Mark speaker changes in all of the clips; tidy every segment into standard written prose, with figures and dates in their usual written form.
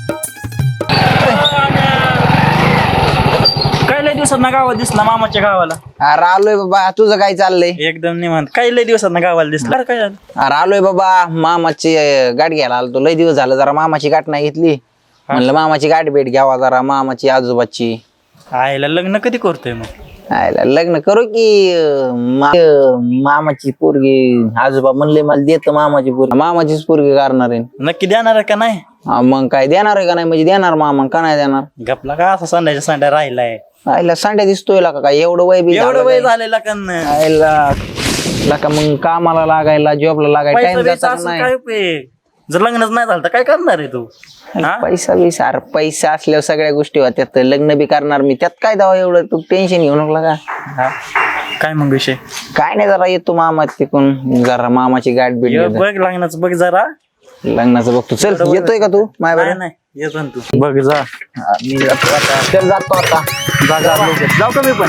Speaker 1: काय लय दिवसात ना गावात दिसला मामाच्या गावाला.
Speaker 2: अरे आलोय बाबा, तुझं काय चाललंय?
Speaker 1: एकदम निवांत. काय लय दिवसात ना गावाला दिसला. अरे काय झालं?
Speaker 2: अरे आलोय बाबा, मामाची गाठ घ्यायला आलो. लय दिवस झालं, जरा मामाची गाठ नाही घेतली. म्हणलं मामाची गाठ भेट घ्यावा, जरा मामाची आजोबाची.
Speaker 1: आईला लग्न कधी करतोय मग?
Speaker 2: आयला लग्न करू की मामाची पोरगी. आजोबा म्हणले मला देत मामाची पोरगी, मामाचीच पोरगी करणार आहे.
Speaker 1: नक्की देणार आहे का नाही?
Speaker 2: मग काय देणार आहे का नाही? म्हणजे देणार मामा, का नाही देणार?
Speaker 1: गपला का असा संध्याच्या संध्या राहिलाय.
Speaker 2: आयला सांड्या दिसतोय का काय? एवढं वय बी
Speaker 1: एवढं वय झालेला का नाही?
Speaker 2: आयला का मग कामाला लागायला, जॉबला लागायला टाइम जाता नाही.
Speaker 1: काय उपयोग? जर लग्नच नाही झालं तर काय करणार आहे तू?
Speaker 2: पैसा बी सार पैसा असल्यावर सगळ्या गोष्टी होत्यात. लग्न बी करणार मी, त्यात काय दावा एवढं तू टेन्शन घेऊ नको का?
Speaker 1: काय मग विषय?
Speaker 2: काय नाही, जरा येतो मामा तिकून, जरा मामाची गाठ बीट घेतो.
Speaker 1: बघ लग्नाचं बघ जरा.
Speaker 2: लग्नाचं बघतो. चल येतोय का तू माय बरं?
Speaker 1: नाही येतो ना तू. बघ जा.
Speaker 2: मी जातो आता. चल जातो आता.
Speaker 1: जाऊ का मी पण?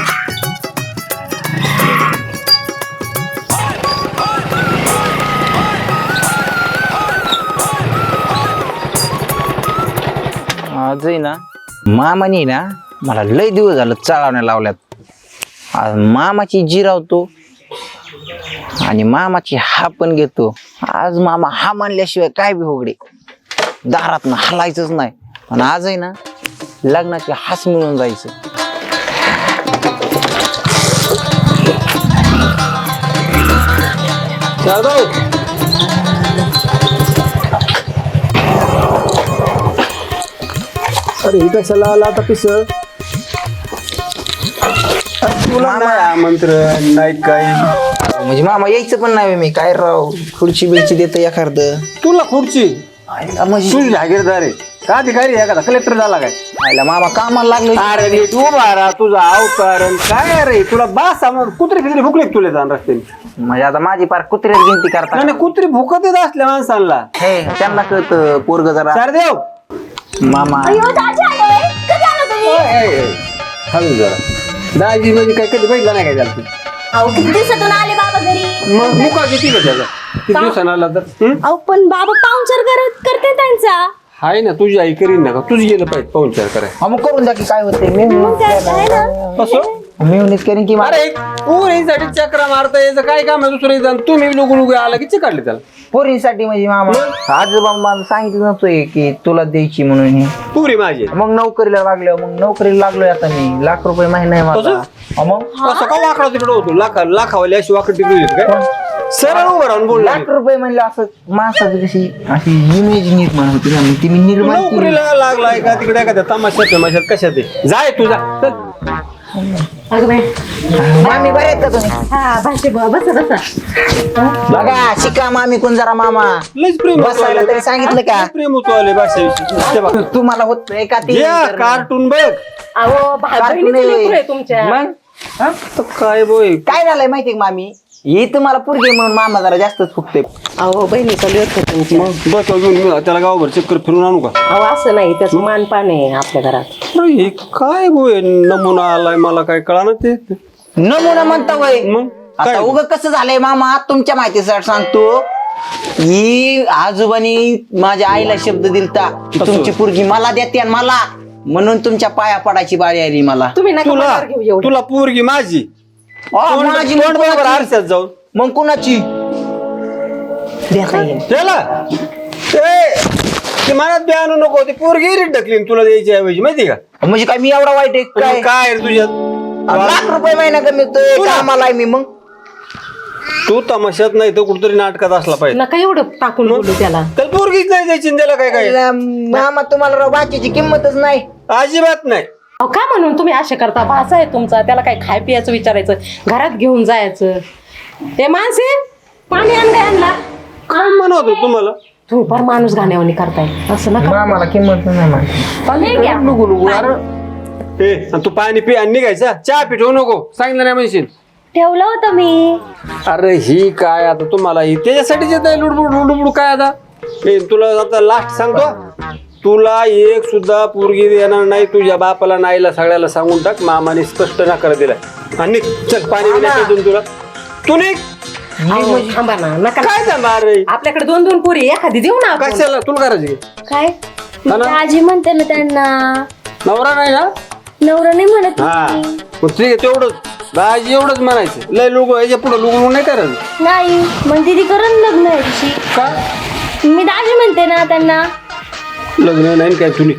Speaker 2: आजही ना मामानी ना मला लय दिवस झालं चाळवण्या लावल्यात. आज मामाची जिरावतो आणि मामाची हा पण घेतो. आज मामा हा मानल्याशिवाय काय बी होगडे, दारात ना हलायचंच नाही. आणि आजही ना लग्नाची हास मिळून जायचं.
Speaker 3: अरे ही कशाला आला आता पिस? तुला नाही आमंत्रण नाही काय?
Speaker 2: म्हणजे मामा यायचं पण नाही. मी काय राव खुर्ची बिर्ची देत एखादं.
Speaker 3: तुला खुर्ची
Speaker 2: म्हणजे
Speaker 3: तुझी जागीरदार आहे का? अधिकारी आहे का? कलेक्टर झाला काय?
Speaker 2: आयला मामा कामाला लागलो.
Speaker 3: अरे नीट उभा राहा, तुझा अवतार आणि काय रे तुला बास कुत्री फित्री भुकले तुला जाण रस्त्याने.
Speaker 2: म्हणजे आता माझी पार कुत्र्यात गिनती करता.
Speaker 3: नाही कुत्री भुकत येत असल्या माणसांना.
Speaker 2: हे त्यांना कळतं पोरग जरा.
Speaker 3: चार देव
Speaker 2: मामा
Speaker 3: हळू जरा. दाजी म्हणजे काय कधी बघितला नाही काय झालं?
Speaker 4: किती दिवसातून आले बाबा घरी?
Speaker 3: मग मुका किती का त्याचा? किती दिवसानं आला तर?
Speaker 4: अहो पण बाबा पाहुणचार करते त्यांचा.
Speaker 3: हाय ना, तुझी आई करीन ना का? तुझी गेलं पाहिजे पाहुणचार करायला.
Speaker 2: मग करून द्या की काय होते.
Speaker 4: मग काय आहे ना?
Speaker 3: असं
Speaker 2: मी करीन की
Speaker 3: अरे पोरींसाठी चक्रा मारता यायचं काय काम आहे? दुसरं तुम्ही लोक लोक आला की चिकाडले त्याला.
Speaker 2: पोरींसाठी म्हणजे मामा आजोबा मला सांगितलं नव्हतोय की तुला द्यायची म्हणून ही.
Speaker 3: पुरी माझी
Speaker 2: मग नोकरीला लागलो. मग नोकरीला लागलोय आता मी. ₹1,00,000 महिना आहे माझा. मग
Speaker 3: असं का वाकडा तिकडे होतो? लाखावाली अशी वाकड तिकडे होती काय? सरळ उभं राहून बोलला.
Speaker 2: ₹1,00,000 म्हणलं असं माणसाची कशी अशी इमेज निर्माण होती ना. मग ती मी निर्माण केली.
Speaker 3: नोकरीला लागलाय का तिकडे एखाद्या तमाशात कशात आहे? जाय तुझा चल.
Speaker 2: मामी बरे आहेत का तुम्ही?
Speaker 4: हा भाषे बसा.
Speaker 2: बघा शिका मामी कोण जरा मामा.
Speaker 3: लयच प्रेम
Speaker 2: बसायला तरी सांगितलं का?
Speaker 3: प्रेम होतो आले भाषेविषयी.
Speaker 2: तुम्हाला होत का ते?
Speaker 3: कार्टून बघ.
Speaker 4: अहो बहिणीचं लेकरू आहे तुमच्या.
Speaker 3: मग आता काय बोय
Speaker 2: काय झालंय माहितीये का मामी? ही तुम्हाला पोरगी आहे म्हणून मामा जरा जास्तच फुकते.
Speaker 4: अहो बहिणीचं लेकरू आहे तुमच्या.
Speaker 3: मग बस अजून मी त्याला गावभर चक्कर फिरून आणू का?
Speaker 4: अहो असं नाही, त्याचं मानपान आहे आपल्या घरात.
Speaker 3: अरे हे काय बोय नमुना आलाय मला काय कळा ना ते.
Speaker 2: नमुना म्हणता वय.
Speaker 3: मग
Speaker 2: आता
Speaker 3: काय?
Speaker 2: उग कसं झालंय मामा तुमच्या माहितीसाठी सांगतो. ही आजोबानी माझ्या आईला शब्द दिलता की तुमची पोरगी मला देते आणि मला म्हणून तुमच्या पाया पडायची बारी आली मला.
Speaker 4: तुम्ही नका
Speaker 3: तुला
Speaker 4: मनावर घेऊ एवढं.
Speaker 3: तुला पोरगी माझी
Speaker 2: माझी
Speaker 3: तोंड बरोबर आरशात जाऊन
Speaker 2: मग कुणाची?
Speaker 4: देता येईल.
Speaker 3: त्याला ते मनात बी आणू नको. ते पोरगी रीट ढकलीन तुला द्यायची ऐवजी माहिती का?
Speaker 2: म्हणजे काय मी एवढा वाईट आहे काय?
Speaker 3: काय रे तुझ्यात?
Speaker 2: ₹1,00,000 महिना कमीतोय
Speaker 3: तुला?
Speaker 2: कामाला आहे मी. मग
Speaker 3: तू तमाशात नाही तर कुठतरी नाटकात असला पाहिजे.
Speaker 4: नका एवढं टाकून बोलू त्याला.
Speaker 3: त्याला पोरगीच नाही द्यायची आणि त्याला काय काय
Speaker 2: मामा तुम्हाला राव बाकीची किंमतच नाही.
Speaker 3: अजिबात नाही.
Speaker 4: अहो का म्हणून तुम्ही असे करता? भाषा आहे तुमचा, त्याला काय खाय पियाचं विचारायचं, घरात घेऊन जायचं. ते माणसे पाणी आणला.
Speaker 3: काय म्हणतो तुम्हाला?
Speaker 4: तुम्ही फार माणूस घाण्यावानी करताय. असं नका.
Speaker 2: मामाला किंमत नाही माहिती.
Speaker 4: पाणी घ्या.
Speaker 3: नको नको अरे तू पाणी पी आणि निघायचा. चहा पिठवू नको सांगितलं नाही म्हणशील.
Speaker 4: ठेवलं होतं मी.
Speaker 3: अरे ही काय आता तुम्हाला ही त्याच्यासाठीच येत आहे लुडबुड काय आता. तुला आता लास्ट सांगतो, तुला एक सुद्धा पोरगी देणार नाही. तुझ्या बापाला नाहीला सगळ्याला सांगून टाक. मामाने स्पष्ट नकार दिलाय. आणि चल पाणी पिण्यापासून तुला तू निघ.
Speaker 4: थांबा ना, नका.
Speaker 3: काय थांबा रे?
Speaker 4: आपल्याकडे 2-2 पोरी एखादी देऊ ना आपण.
Speaker 3: कशाला तुला करायची
Speaker 4: काय
Speaker 3: हा ना?
Speaker 5: आजी म्हणते ना त्यांना.
Speaker 3: नवरा नाही ना?
Speaker 5: नवरा नाही म्हणत
Speaker 3: हा
Speaker 5: मी.
Speaker 3: मग ठीक आहे तेवढंच दाजी एवढंच म्हणायचं लय लोक याच्या पुढे लोक नाही करायचं
Speaker 5: नाही मग दिदी करण लग्न याची.
Speaker 3: का
Speaker 5: मी दाजी म्हणते ना त्यांना.
Speaker 3: लग्न नाही काय तुला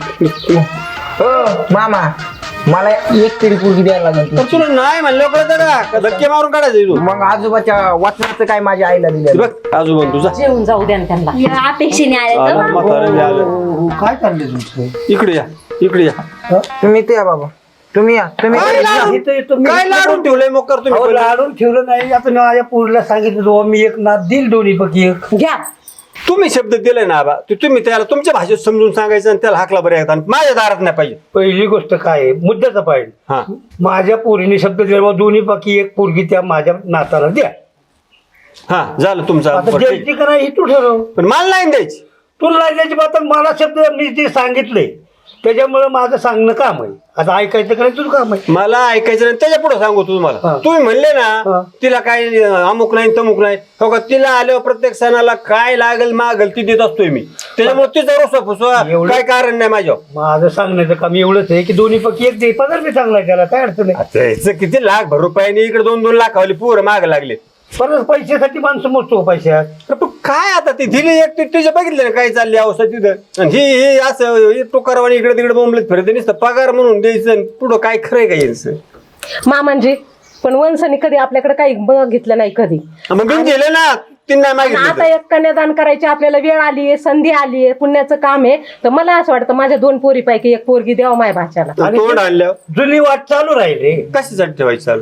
Speaker 2: हो मामा मला एक तरी पोरगी द्यायला लागेल
Speaker 3: तर तुला नाही म्हणलं कळतं का धक्के मारून काढायचं तू
Speaker 2: मग आजोबाच्या वाचनाचं काय माझ्या आईला दिलं
Speaker 3: बघ आजोबा तुझा
Speaker 4: जेवून जाऊ द्या ना त्यांना.
Speaker 5: या अपेक्षेने आले का बा?
Speaker 3: म्हातारं बी आलं.
Speaker 6: काय चाललंय तुमचं?
Speaker 3: इकडे या
Speaker 2: तुम्ही ते या बाबा तुम्ही या तुम्ही
Speaker 3: काय लाडून?
Speaker 6: इथं येतो मी.
Speaker 3: काय लाडून ठेवलंय मग कर
Speaker 6: अहो,
Speaker 3: तुम्ही
Speaker 6: लाडून ठेवलं नाही. आता मी माझ्या पोरीला सांगितलं बाबा मी एक नाद दिल दोन्ही पैकी एक.
Speaker 4: घ्या.
Speaker 3: तुम्ही शब्द दिलाय ना आबा तुम्ही त्याला तुमच्या भाषेत समजून सांगायचं आणि त्याला हाकला बरं येतात माझ्या दारात नाही पाहिजे
Speaker 6: पहिली गोष्ट काय आहे मुद्द्याचा पाहिजे.
Speaker 3: हा
Speaker 6: माझ्या पोरीने शब्द दिला बाबा दोन्ही पैकी एक पोरगी त्या माझ्या नाताला द्या.
Speaker 3: हा झालं तुमचं
Speaker 6: आता
Speaker 3: बरं, ठीक.
Speaker 6: द्यायची का नाही हे तू ठरव.
Speaker 3: पण मला नाही द्यायची
Speaker 6: तुला नाही द्यायची बात मला शब्द मी ते सांगितलंय त्याच्यामुळे माझं सांगणं काम आहे. आता ऐकायचं का नाही तुझं काम आहे.
Speaker 3: मला ऐकायचं नाही त्याच्या पुढे सांगू तुम्हाला
Speaker 6: हा.
Speaker 3: तुम्ही म्हणले ना
Speaker 6: हा.
Speaker 3: तिला काय अमुक नाही तमुक नाही हो का तिला आल्यावर प्रत्येक सणाला काय लागेल मागेल ती देत असतोय मी त्याच्यामुळे तिचा रुसवा फुसवा
Speaker 6: एवढं-
Speaker 3: काय कारण नाही माझ्या
Speaker 6: माझं सांगण्याचं काम एवढंच आहे की दोन्ही पैकी एक दे पगार मी चांगला आहे त्याला काय अडचण आहे.
Speaker 3: आता ह्याचं किती लाख भर रुपयाने इकडे 2-2 लाखावाली पोरं माग लागले
Speaker 6: परत पैशासाठी माणसं मोजतो पैशात.
Speaker 3: तर पण काय आता ती दिली एक तिच्या बघितलं ना काय चालली अवस्था तिथं आणि ही असं टोकारवाणी इकडे तिकडे बोंबलत फिरते नुसतं पगार म्हणून द्यायचं आणि पुढं काय खरंय का यायचं
Speaker 4: मामांजी पण वंशाने कधी आपल्याकडे काही बघितलं नाही कधी.
Speaker 3: मग मी दिलं ना तिने नाही
Speaker 4: आणि
Speaker 3: मागितलं
Speaker 4: आता
Speaker 3: तर.
Speaker 4: एक कन्यादान करायची आपल्याला वेळ आली आहे संधी आली आहे पुण्याचं काम आहे तर मला असं वाटतं माझ्या 2 पोरीपैकी एक पोरगी द्यावं माझ्या भाच्याला.
Speaker 6: आणि
Speaker 3: तोंड आणल्यावर
Speaker 6: जुनी वाट चालू राहिली.
Speaker 3: कशासाठी ठेवायचं चालू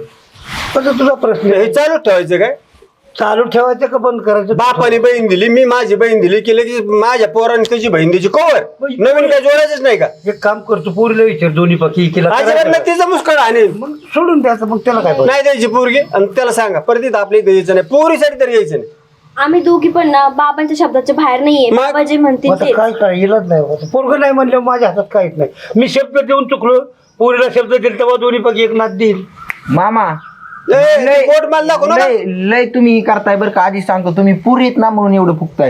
Speaker 6: पण तुझा प्रश्न आहे.
Speaker 3: हे चालू ठेवायचं काय
Speaker 6: चालू ठेवायचं का बंद करायचं.
Speaker 3: बापाने बहीण दिली मी माझी बहीण दिली केलं की माझ्या पोराने त्याची बहीण द्यायची कवर नवीन काय जोडायचंच नाही का
Speaker 6: एक काम करतो पोरीला विचार दोन्ही पक्षी केला
Speaker 3: अजिबात नाही तिचा मुस्कळ आणि
Speaker 6: मग सोडून द्यायचं मग त्याला काय पाहिजे.
Speaker 3: नाही द्यायची पोरगी आणि त्याला सांगा परत इथं आपल्या इथं यायचं नाही पोरीसाठी तरी यायचं नाही
Speaker 5: आम्ही दोघी पण ना बाबांच्या शब्दाच्या बाहेर नाहीये.
Speaker 3: मग?
Speaker 5: बाबा जे म्हणतील
Speaker 6: आता
Speaker 5: ते.
Speaker 6: काय काय इलाज नाही पोरग नाही म्हणल्यावर माझ्या हातात काहीच नाही. मी शब्द देऊन चुकलो पोरीला शब्द दिला तेव्हा दोन्ही पैकी एक नाद देईल.
Speaker 2: मामा
Speaker 3: ए, पोट मला दाखव ना
Speaker 2: लय लय तुम्ही करताय बरं का आधी सांगतो तुम्ही पुरी येत ना म्हणून एवढं फुकताय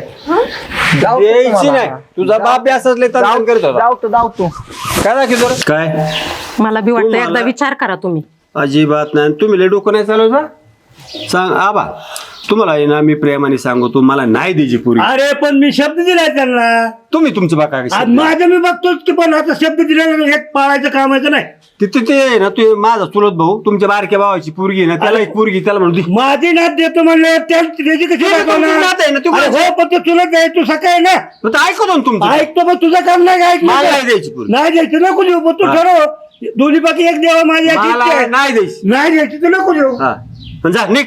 Speaker 2: जाऊ दे
Speaker 3: द्यायची
Speaker 2: तुम्हाला.
Speaker 3: नाही तुझा बाप बी असंच लय तंत्रज्ञान करत होता
Speaker 2: जाऊ तू
Speaker 3: काय दाखव जरा काय
Speaker 4: मला बी वाटतं
Speaker 3: तुम्हाला-
Speaker 4: एकदा विचार करा तुम्ही.
Speaker 3: अजिबात नाही तुम्ही लय डोकं नाही चालवता सांग आबा तुम्हाला आहे ना मी प्रेमाने सांगतो मला नाही द्यायची पोरी
Speaker 6: अरे पण मी शब्द दिलाय त्यांना.
Speaker 3: तुम्ही तुमचं बघा
Speaker 6: आज माझं मी बघतोच की पण आता शब्द दिलेला हे पाळायचं काम आहे का नाही.
Speaker 3: तिथे ते आहे ना तू माझा चुलत भाऊ तुमच्या बारक्या भावाची पोरगी आहे ना त्याला एक पोरगी त्याला म्हणू दे.
Speaker 6: माझी नाद देतो म्हणलं त्याची कशी
Speaker 3: तुमची नाद आहे ना, तू
Speaker 6: दाखवणार.
Speaker 3: काय-
Speaker 6: हो पण ते चुलत आहे तू सकाळी ना
Speaker 3: मग ते ऐकतो ना तुमचं
Speaker 6: ऐकतो पण तुझं काम नाही का
Speaker 3: मला नाही
Speaker 6: ऐकलं
Speaker 3: द्यायची पोरगी
Speaker 6: नाही द्यायची नको देऊ पण तू
Speaker 3: हा.
Speaker 6: ठरव दोन्ही बाकी एक देवा माझी अशी इच्छा
Speaker 3: मला
Speaker 6: आहे.
Speaker 3: नाही द्यायची
Speaker 6: नाही द्यायची तर नको देऊ.
Speaker 3: हा पण जा निघ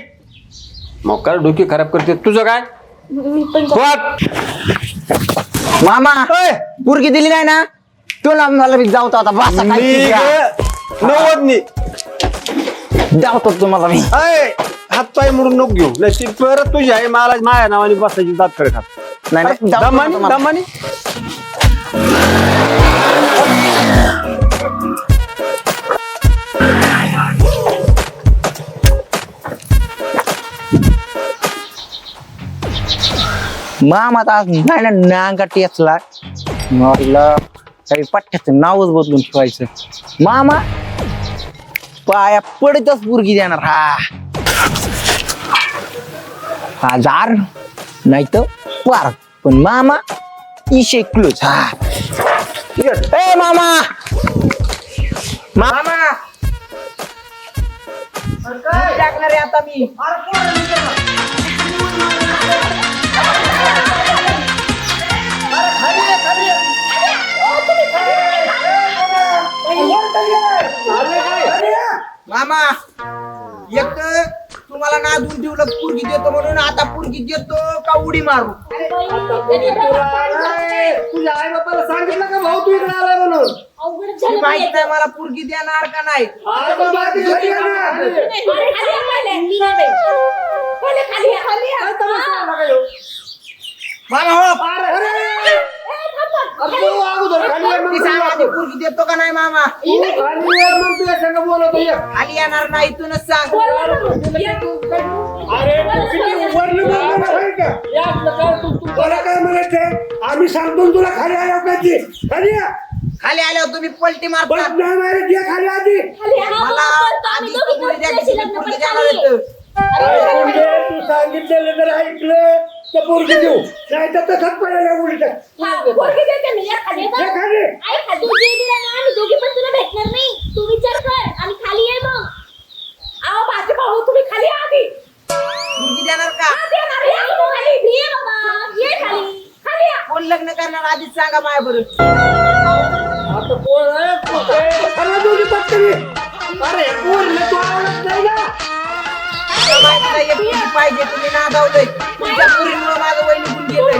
Speaker 3: मग काय डोकी खराब करते तुझं काय
Speaker 5: मी पण
Speaker 3: वाट.
Speaker 2: मामा
Speaker 3: ओय,
Speaker 2: पुरगी दिली नाही ना तुला मला बी जाऊ आता बसा काय
Speaker 3: निघ.
Speaker 2: शिका.
Speaker 3: नव्वदनी
Speaker 2: जाऊतो तुम्हाला मी
Speaker 3: हात पाय मोडून नको घेऊ नाही ती परत तुझी आहे मला माझ्या नावाने बसायची दात कडे खात
Speaker 2: नाही नाही, जाऊ
Speaker 3: दमानी
Speaker 2: तुम्हाला.
Speaker 3: दमानी
Speaker 2: मामा आता आज नाही ना नांगा टेचला मला काही पट्ट्याचं नावच बदलून ठेवायचं मामा पाया पडतच पुरगी देणार हजार नाही तर पार पण मामा इशे क्लोज हा ए मामा मामा टाकणार आहे आता मी मामा एक तर तुम्हाला नादून ठेवलं पुरगी देतो म्हणून आता पुरगी देतो का उडी मारू
Speaker 3: तुझ्या आई बापाला सांगितलं का भाऊ तू इकडे आलाय म्हणून
Speaker 2: ती माहित नाही मला पुरगी देणार का नाही मामा हो
Speaker 3: अगोदर खाली ये, मग
Speaker 2: ती
Speaker 3: तू
Speaker 2: सांगा
Speaker 3: ये.
Speaker 2: आधी पोरगी देतो का नाही मामा
Speaker 3: खाली ये, मग तुझ्या संग बोलवतो ये.
Speaker 2: खाली येणार नाही इथूनच सांग
Speaker 6: अरे तू किती वरनं बोलणार आहे का? मला काय म्हणायचंय आम्ही सांगतो तुला खाली आल्या पाहिजे खाली या.
Speaker 2: खाली आल्यावर तुम्ही पलटी
Speaker 6: बस
Speaker 2: मारता
Speaker 6: नाही मारत, ये खाली आधी.
Speaker 2: मला आधी पोरगी द्या की तुम्ही पोरगी देणार आहेत.
Speaker 6: अरे म्हणजे तू सांगितलेलं जर ऐकलं तर पोरगी देऊ नाही तर तसंच पडायला उलट ये खाली.
Speaker 5: भेटणार नाही तू विचार कर आणि खाली ये मग
Speaker 4: अहो माझे भाऊ तुम्ही खाली या आधी.
Speaker 2: पोरगी देणार का
Speaker 5: ये बाबा ये खाली
Speaker 2: कोण लग्न करणार आधीच सांगा माया बरोबर
Speaker 3: आता कोण आहे?
Speaker 6: अरे दोघी पत्करी. अरे पोरीला तू आवडत नाही ना.
Speaker 2: माहिती नाही एक पोरगी पाहिजे तुम्ही नादावलंय तुमच्या पोरीमुळे माझं वय निघून गेलंय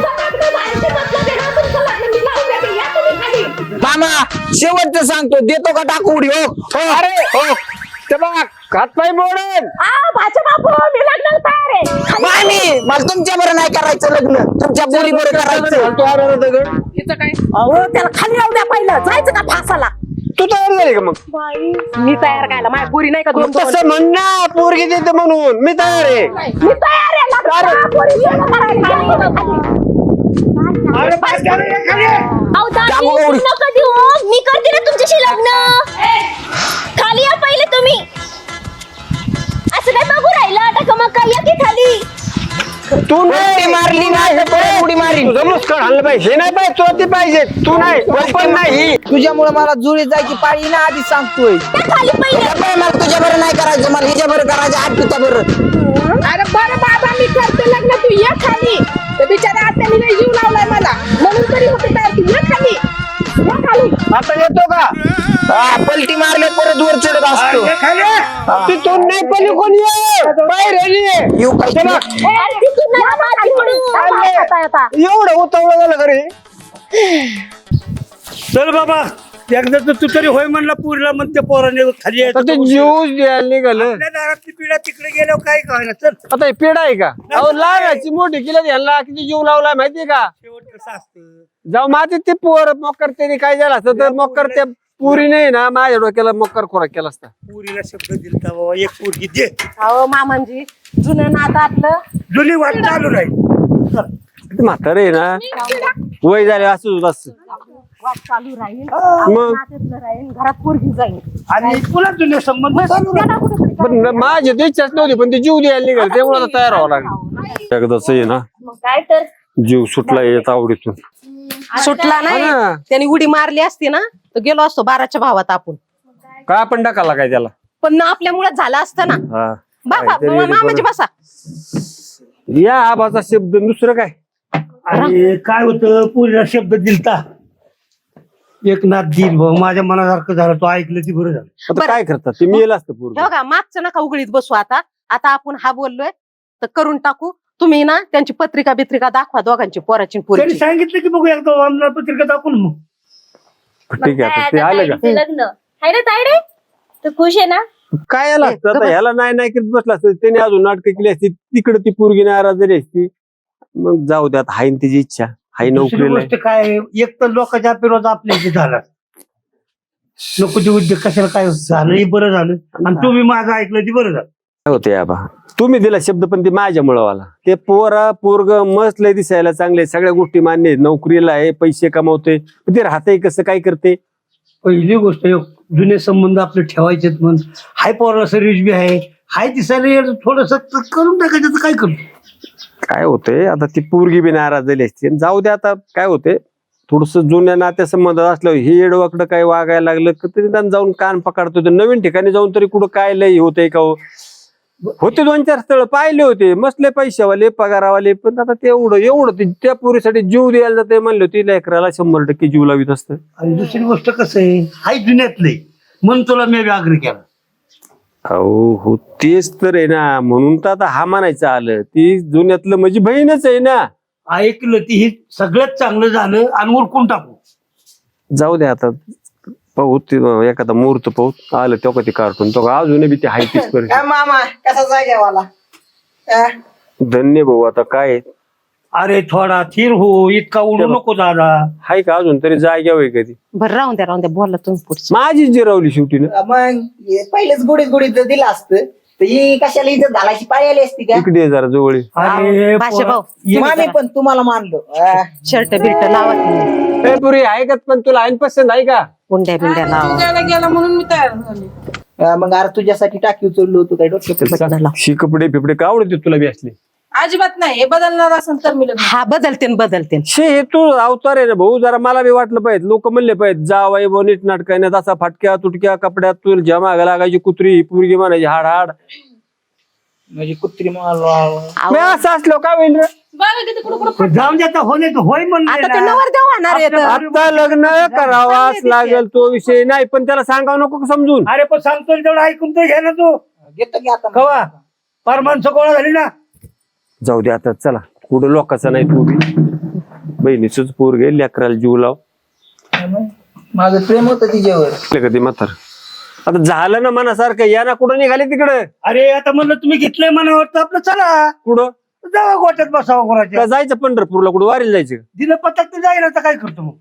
Speaker 2: मामा शेवटचं सांगतो देतो का टाकू उडी हो
Speaker 3: अरे हो ते बघ हातपाय मोडन.
Speaker 4: माझे बापू मी लग्नाला तयार आहे.
Speaker 2: मामी मला तुमच्या बरं नाही करायचं लग्न तुमच्या पोरी बरं करायचं
Speaker 3: तू आला ना दगड.
Speaker 4: अहो त्याला खाली राहू द्या पहिलं जायचं का फासाला.
Speaker 3: तू तयार झाली का मग?
Speaker 4: मी तयार करायला माझ्या पुरी नाही का दोन दोन?
Speaker 3: तसं म्हण ना पोरगी देते म्हणून मी तयार आहे.
Speaker 4: मी तयार आहे लग्नाला. पोरी लग्न करायला.
Speaker 6: अरे बस करा, ये खाली ये.
Speaker 5: अहो दादी
Speaker 2: जागो गौरी.
Speaker 5: नका देऊ मी करते ना तुमच्याशी लग्न खाली या पहिले तुम्ही असं काय बघू राहिलं आता का मग काय या की खाली
Speaker 3: तू
Speaker 2: उडी मारली नाही तर उडी मारली
Speaker 3: तुझं मुस्कळ हल्लं पाहिजे हे नाही पाहिजे तुला ते पाहिजे तू नाही पण नाही.
Speaker 2: तुझ्यामुळे मला जुळीत जायची पाळी ना आधी सांगतोय
Speaker 5: या खाली पहिले
Speaker 2: मला तुझ्या बरं नाही करायचं मला हिच्या बरं करायचं आठ तुझ्या बरं
Speaker 4: अरे बरं बाबा मी करते लग्न तू ये खाली. तर बिचारा आत्याने नाही जीव लावलाय मला म्हणून तरी होते तयार तू ये खाली. ये खाली.
Speaker 3: आता येतो का?
Speaker 2: पलटी मारले परत वर चढत असतो
Speaker 6: ये खाली ये.
Speaker 3: तिथून नाही पली कोणी ये. बाहेर ये.
Speaker 2: येऊ काय तुला?
Speaker 5: अरे तिथून नाही माती पडू
Speaker 4: येता येता.
Speaker 3: एवढं उतावळं झालं घरी.
Speaker 6: चल बाबा एकदा तर तू तरी होय म्हणला पुरीला म्हणते पोराने खाली यायचं.
Speaker 3: आता ते जीव द्यायला निघालं.
Speaker 6: आपल्या दारातली पिढ्या तिकडे गेल्यावर काय कळणार. चल
Speaker 3: आता हे पेड आहे का? अहो लागायची मोठी केली यांना किती जीव लावलाय माहितीये का?
Speaker 6: शेवट कसं असतं.
Speaker 3: जाऊ मातीत ते पोर मोकर त्याने काय झालं असतं तर मोकर त्या पुरी नाही ना माझ्या डोक्याला मोकर खोराक केला असता.
Speaker 6: पुरीला शब्द दिलता बाबा एक पोरगी दे.
Speaker 4: अहो मामांजी जुनं नादातलं
Speaker 6: जुनी वाट चालू राहील. चल.
Speaker 3: ते म्हातारे आहे ना वय झाले असं असं
Speaker 4: वाद चालू राहील.
Speaker 3: मग
Speaker 4: नात्यातलं राहील घरात पोरगी जाईल.
Speaker 6: आणि पुन्हा जुने संबंध चालू राहील.
Speaker 3: पण माझी तर इच्छाच नव्हती पण ते जीव द्यायला निघाल त्यामुळे आता तयार व्हावं लागलं. एकदाच आहे ना
Speaker 5: मग काय तर
Speaker 3: जीव सुटला येत आवडीतून.
Speaker 4: सुटला नाही
Speaker 3: हा ना.
Speaker 4: त्यांनी उडी मारली असती ना तर गेलो असतो 12च्या भावात आपण.
Speaker 3: काय आपण टाकाला काय त्याला?
Speaker 4: पण आपल्यामुळे झालं असतं ना.
Speaker 3: हा
Speaker 4: बाबा
Speaker 3: काहीतरी
Speaker 4: मामाजी बसा.
Speaker 3: या आबाचा शब्द दुसरं काय?
Speaker 6: आणि काय होतं पुरीला शब्द दिलता एक नाथ दिल भाऊ माझ्या मनासारखं झालं तो ऐकलं ती बरं झालं.
Speaker 3: आता
Speaker 4: बरं.
Speaker 3: काय करतात ते मी असतं पूर्ण.
Speaker 4: बघा मागचं नका उघडीत बसू आता. आता आपण हा बोललोय तर करून टाकू. तुम्ही ना त्यांची पत्रिका बित्रिका दाखवा दोघांची पोराची
Speaker 6: त्यांनी
Speaker 4: पोरीची.
Speaker 6: सांगितलं की बघू एकदा आमदार पत्रिका दाखवून मग.
Speaker 3: ठीक आहे आता ते आलं का?
Speaker 5: ताईडीचं लग्न आहे ना ताईडे तर खुश आहे ना
Speaker 3: काय याला असतं आता
Speaker 4: गप्प.
Speaker 3: ह्याला नाही नाही करत बसला असतं त्याने अजून नाटकं केली असती तिकडे ती पोरगी नाराज झाली असती. मग जाऊ द्यात हाईन तिची इच्छा हाई
Speaker 6: दुसरी
Speaker 3: नोकरीला
Speaker 6: गोष्ट काय एक तर लोकांच्या विरोध आपल्या इथे झाला नको ते उद्योग कशाला काय झालं हे बरं झालं आणि तुम्ही माझं ऐकलं ते बरं झालं.
Speaker 3: काय होते आबा तुम्ही दिला शब्द पण ते माझ्यामुळं वाला ते पोरग मस्त लय दिसायला चांगले सगळ्या गोष्टी मान्य आहेत. नोकरीला आहे पैसे कमावते पण ते राहते कसं काय करते.
Speaker 6: पहिली गोष्ट जुने संबंध आपले ठेवायचे म्हणून हाय पोराला सर्व्हिस बी आहे हाय दिसायला थोडस करून टाकायचं तर काय करतो.
Speaker 3: काय होतंय आता ती पोरगी बी नाराज झाली असते आणि जाऊ दे आता काय होते थोडस जुन्या नात्या संबंध असल्यावर हे येडवाकडं काय वागायला लागलं की तरी त्यांना जाऊन कान पकडतो तर नवीन ठिकाणी जाऊन तरी कुठं काय लय होतंय का हो? होते 2-4 स्थळ पाहिले होते मसले पैशावाले पगारावाले पण आता ते एवढं त्या पोरीसाठी जीव द्यायला जाते म्हणले होते लेकराला 100% जीव लावित असतं.
Speaker 6: आणि दुसरी गोष्ट कसं आहे हाय जुन्यातले म्हणून तुला मी आग्रह केला.
Speaker 3: हो तेच तर आहे ना म्हणून तर आता हा म्हणायचं आलं ती जुन्यातलं म्हणजे बहीणच आहे ना.
Speaker 6: ऐकलं ती ही सगळ्यात चांगलं झालं आणि उरकून टाकू.
Speaker 3: जाऊ दे आता पाहू ते एखादा मुहूर्त पाहू आलं तो कधी कार्टून तो अजूनही बी ते हाय तीच
Speaker 2: काय मामा कसा जाग्यावाला
Speaker 3: धन्य भाऊ आता काय
Speaker 6: अरे थोडा थिर हो, इतका उडू नको दादा.
Speaker 3: हाय का अजून तरी जाग्यावर आहे कधी
Speaker 4: बरं राहून द्या बोला तुम्ही पुढचं.
Speaker 3: माझीच जिरावली शेवटी ना.
Speaker 2: मग पहिलेच गुडीत गुडीत दिलं असतं तर ही कशाला इथं घालायची पाळी आली असती का?
Speaker 3: इकडे ये जरा जवळ ये.
Speaker 6: अरे
Speaker 4: भाषा भाऊ
Speaker 2: मामी पण तुम्हाला मानलो.
Speaker 4: शर्ट बिर्ट लावा तुम्ही.
Speaker 3: ए, पुरी आहे का पण तुला आईन पसंत आहे का?
Speaker 4: गुंड्या बिंड्या लावा.
Speaker 2: मग अरे तुझ्यासाठी टाकी उचललो होतो काय डोक्यात?
Speaker 3: शी कपडे फिपडे का आवडते तुला बी असले?
Speaker 7: अजिबात नाही. हे बदलणार असेल तर मी लग्न.
Speaker 4: हा बदलते
Speaker 3: शे हे तू अवतार आहे ना भाऊ, जरा मला बी वाटलं पाहिजे. लोक म्हणले पाहिजे जावाई बो नीट नाटकाने तसा फाटक्या तुटक्या कपड्यात तुला जमा लागायची कुत्री पोरगी म्हणायची हाड हाड.
Speaker 2: म्हणजे कुत्री
Speaker 3: मी असं असलो काय होईल रे?
Speaker 7: बघा किती कुठं
Speaker 6: जाऊन द्या होणे होय म्हणले
Speaker 4: आता ते
Speaker 6: ना.
Speaker 4: नवरदेव होणार आहेत.
Speaker 3: आता लग्न करावाच लागेल तो विषय नाही, पण त्याला सांगावं नको का समजून?
Speaker 6: अरे पण सांगतो तेवढं ऐकून तर घ्या ना तू.
Speaker 2: घेतो की आता
Speaker 6: कवा पार माणसं गोळा झाली ना.
Speaker 3: जाऊ दे आता चला, कुठं लोकांचा नाही तू बी बहिणीच पोर गे लेकराला जीव लाव.
Speaker 2: माझं प्रेम होतं तिच्यावर.
Speaker 3: कधी म्हातार आता झालं ना मनासारखं, या ना कुठं निघाले तिकडे?
Speaker 6: अरे आता म्हणलं तुम्ही घेतलंय मनावर तर आपलं चला
Speaker 3: कुठं
Speaker 6: जावा गोट्यात बसावं कोणाच्या.
Speaker 3: का जायचं पंढरपूरला, कुठं वारीला जायचं?
Speaker 6: दिलं पतक तर जाईल आता काय करतो मग.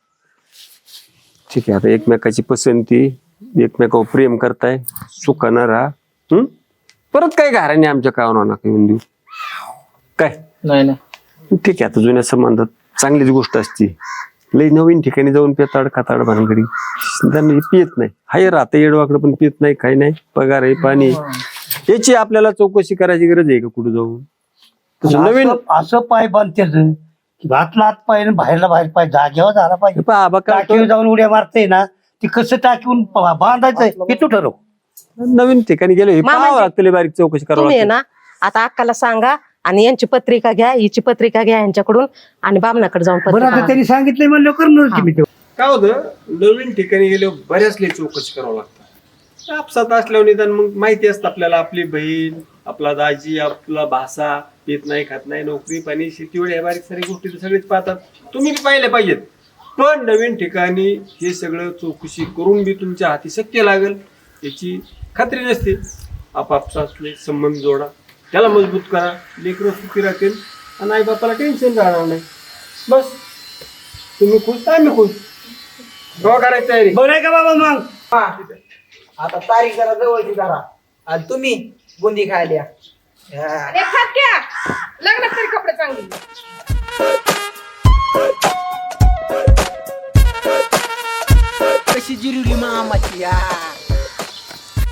Speaker 3: ठीक आहे, आता एकमेकाची पसंती, एकमेकावर प्रेम करताय, सुखानं राहा. परत काय घराने आमच्या कावना नका येऊन देऊ. काय
Speaker 2: नाही
Speaker 3: ठीक आहे, आता जुन्या संबंधात चांगलीच गोष्ट असती. लई नवीन ठिकाणी जाऊन पेताड खाताड भानगडी त्यांनी पियत नाही. हाय राहते येडवाकडं पण पियत नाही, काही नाही. पगार आहे पाणी याची आपल्याला चौकशी करायची गरज आहे का कुठं जाऊन? तसं नवीन
Speaker 6: असं पाय बांधतेच की भातला हात पाय आणि बाहेरला बाहेर पाय जागेवर झाला पाहिजे.
Speaker 3: बाबा काय
Speaker 6: टाकीवर जाऊन उड्या मारते ना, ती कसं टाकीहून बांधायचंय हे तू ठरव.
Speaker 3: नवीन ठिकाणी गेलो हे
Speaker 4: मामाजी,
Speaker 3: पाहावं लागतं, लई बारीक चौकशी करावं
Speaker 4: तुम्ही आहे
Speaker 3: लागते.
Speaker 4: ना आता अक्काला सांगा आणि यांची पत्रिका घ्या, हिची पत्रिका घ्या यांच्याकडून आणि बामणाकडे जाऊन
Speaker 6: बरं
Speaker 4: पत्रिका
Speaker 6: आता त्यांनी सांगितलंय म्हणलं करणार की मी ते.
Speaker 3: काय होतं, नवीन ठिकाणी गेल्यावर बऱ्याच लई चौकशी करावं लागतं. आपसात असल्यावर निदान मग माहिती असतं आपल्याला, आपली बहीण, आपला दाजी, आपला भासा येत नाही, खात नाही, नोकरी पाणी शेतीवर या बारीक सारी गोष्टी तर सगळेच पाहतात. तुम्ही बी पाहिले पाहिजेत. पण नवीन ठिकाणी हे सगळं चौकशी करून बी तुमच्या हाती शक्य लागेल याची खात्री नसते. आपापसातले संबंध जोडा, त्याला मजबूत करा, लेकरं सुखी राहतील आणि आई बापाला टेन्शन राहणार नाही. बस तुम्ही खुश तर आम्ही खुश. केव्हा करायची तयारी?
Speaker 6: बरं आहे का बाबा मग.
Speaker 2: आता तारीख जरा जवळची करा आणि तुम्ही बुंदी खायला.
Speaker 7: लग्नात तरी कपडे चांगले.
Speaker 2: कशी जिरवली मामाची.